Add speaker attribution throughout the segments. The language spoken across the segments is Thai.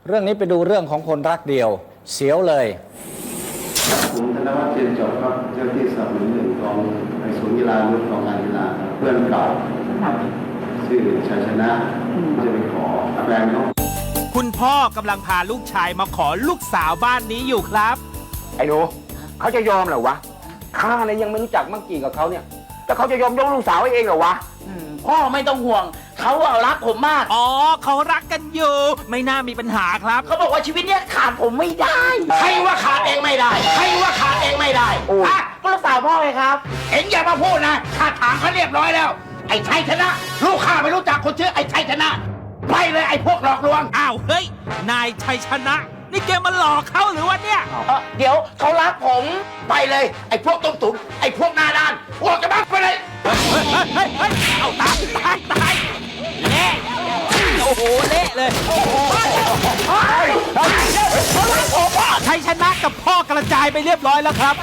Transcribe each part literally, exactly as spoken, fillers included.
Speaker 1: เรื่องนี้ไปดูเรื่องของคนรักเดียวเสียวเลย
Speaker 2: ผมธนวัฒน์เจนจบครับเจ้าที่สนับสนุนหนึ่งของในศูนย์กีฬารุ่นของการกีฬาเพื่อนเก่าชื่อชัยชนะจะไปขอแฟนเขา
Speaker 3: คุณพ่อกำลังพาลูกชายมาขอลูกสาวบ้านนี้อยู่ครับ
Speaker 4: ไอ้หนูเขาจะยอมเหรอวะข้าเนี่ยยังไม่รู้จักมังกี้กับเขาเนี่ยแต่เขาจะยอมยกลูกสาวให้เองเหรอวะ
Speaker 5: พ่อไม่ต้องห่วงเขาเอารักผมมาก
Speaker 3: อ๋อเขารักกันอยู่ไม่น่ามีปัญหาครับ
Speaker 5: เขาบอกว่าชีวิตเนี้ยขาดผมไม่ได้ใครว่าขาดเองไม่ได้ใครว่าขาดเองไม่ได้ฮะก็ลูกสาวพ่อไงครับเอ็งอย่ามาพูดนะข้าถามเขาเรียบร้อยแล้วไอ้ชัยชนะลูกข้าไม่รู้จักคนชื่อไอ้ชัยชนะไปเลยไอ้พวกหลอกลวง
Speaker 3: อ้าวเฮ้ยนายชัยชนะนี่แกมาหลอกเขาหรือวะเนี่ย
Speaker 5: เดี๋ยวเขารักผมไปเลยไอ้พวกต้มตุ๋นไอ้พวกหน้าด้านพวกจะบ้าไปเลย
Speaker 3: เฮ้ยเฮ้ยเฮ้ยเอาตายตายตายเละโอ้โหเละเลยชัยชนะกับพ่อกระจายไปเรียบร้อยแล้วครับ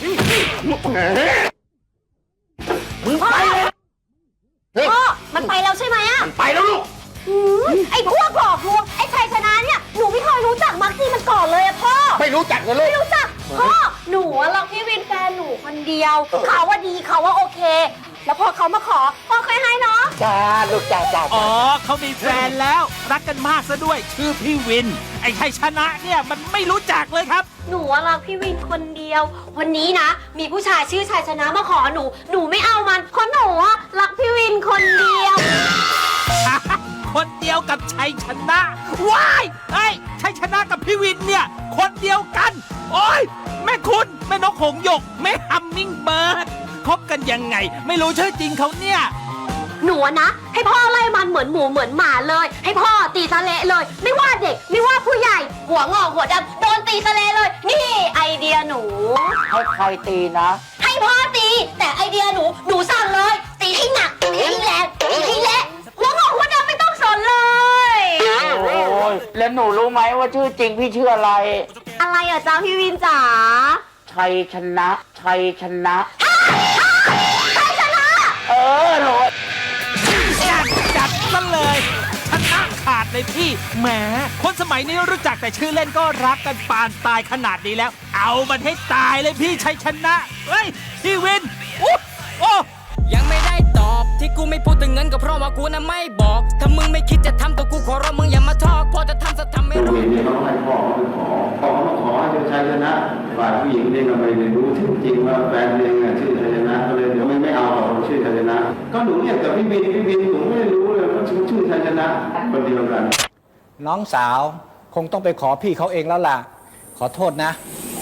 Speaker 5: มึงไปเลย
Speaker 6: พ่อมันไปแล้วใช่ไหมอ่ะ
Speaker 5: ไปแล้วลูก
Speaker 6: ไอ้พวกหลอกลวงไอ้ชัยชนะเนี่ยหนูไม่เคยรู้จักมักซี่มันก่อนเลยอะพ่อ
Speaker 5: ไม่รู้จักเลยลูก
Speaker 6: ไม่รู้จักพ่อหนูรักพี่วินแฟนหนูคนเดียวเขาว่าดีเขาว่าโอเคแล้วพอเขามาขอพ่อเคยให้เนาะ
Speaker 5: จ้าลูกจ้าจ้า
Speaker 3: อ๋อเขามีแฟนแล้วรักกันมากซะด้วยชื่อพี่วินไอ้ชัยชนะเนี่ยมันไม่รู้จักเลยครับ
Speaker 6: หนูรักพี่วินคนเดียววันนี้นะมีผู้ชายชื่อชัยชนะมาขอหนูหนูไม่เอามันเพราะหนูรักพี่วินคนเดียว
Speaker 3: คนเดียวกับชัยชนะว้ายไอ้ชัยชนะกับพี่วินเนี่ยคนเดียวกันโอ้ยแม่คุณแม่นกหงส์หยกแม่ฮัมมิงเบิร์ดคบกันยังไงไม่รู้ชื่อจริงเขาเนี่ย
Speaker 6: หนูนะให้พ่อไล่มันเหมือนหมูเหมือนหมาเลยให้พ่อตีสะเละเลยไม่ว่าเด็กไม่ว่าผู้ใหญ่หัวงอกหัวดำโดนตีสะเละเลยนี่ไอเดียหนู
Speaker 5: ให้ใครตีนะ
Speaker 6: ให้พ่อตีแต่ไอเดียหนูหนูสั่งเลยตีให้หนักตีให้แรงตีให้เละหัวงอกหัวดำไม่ต้องสนเลย
Speaker 5: โอ้ยแล้วหนูรู้ไหมว่าชื่อจริงพี่ชื่ออะไร
Speaker 6: อะไรอ่ะจ้าพี่วินจ๋า
Speaker 5: ชัยชนะชัยชนะ
Speaker 6: ชัยชนะ
Speaker 5: เออโห
Speaker 3: จัดซะเลยชนะขาดเลยพี่แหมคนสมัยนี้รู้จักแต่ชื่อเล่นก็รักกันปานตายขนาดนี้แล้วเอามันให้ตายเลยพี่ชัยชนะเฮ้ยพี่วินอุ๊ยโอ้
Speaker 7: ยังไม่ได้ตอบที่กูไม่พูดถึงเงินก็เพราะว่ากูน่ะไม่บอกถ้ามึงไม่คิดจะทำตัวกูขอร้องมึงอย่ามาทอกพอจะทำสักทำไม่รู้
Speaker 2: ผู้หญิงเนี่ยเขาให้พ่อเขาไปขอพ่อเขามาขอให้เป็นชัยชนะฝ่ายผู้หญิงเนี่ยก็ไม่ได้รู้จริงว่าแฟนเองชื่อชัยชนะก็เลยเดี๋ยวไม่ไม่เอาหรอกชื่อชัยชนะก็หนูเนี่ยกับพี่บินพี่บินผมไม่รู้เลยว่าชื่อชื่อชัยชนะคนเดียวกัน
Speaker 1: น้องสาวคงต้องไปขอพี่เขาเองแล้วล่ะขอโทษนะ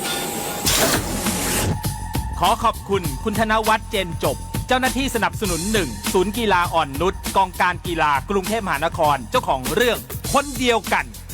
Speaker 3: ขอขอบคุณคุณธนวัฒน์เจนจบเจ้าหน้าที่สนับสนุนหนึ่งศูนย์กีฬาอ่อนนุชกองการกีฬากรุงเทพมหานครเจ้าของเรื่องคนเดียวกัน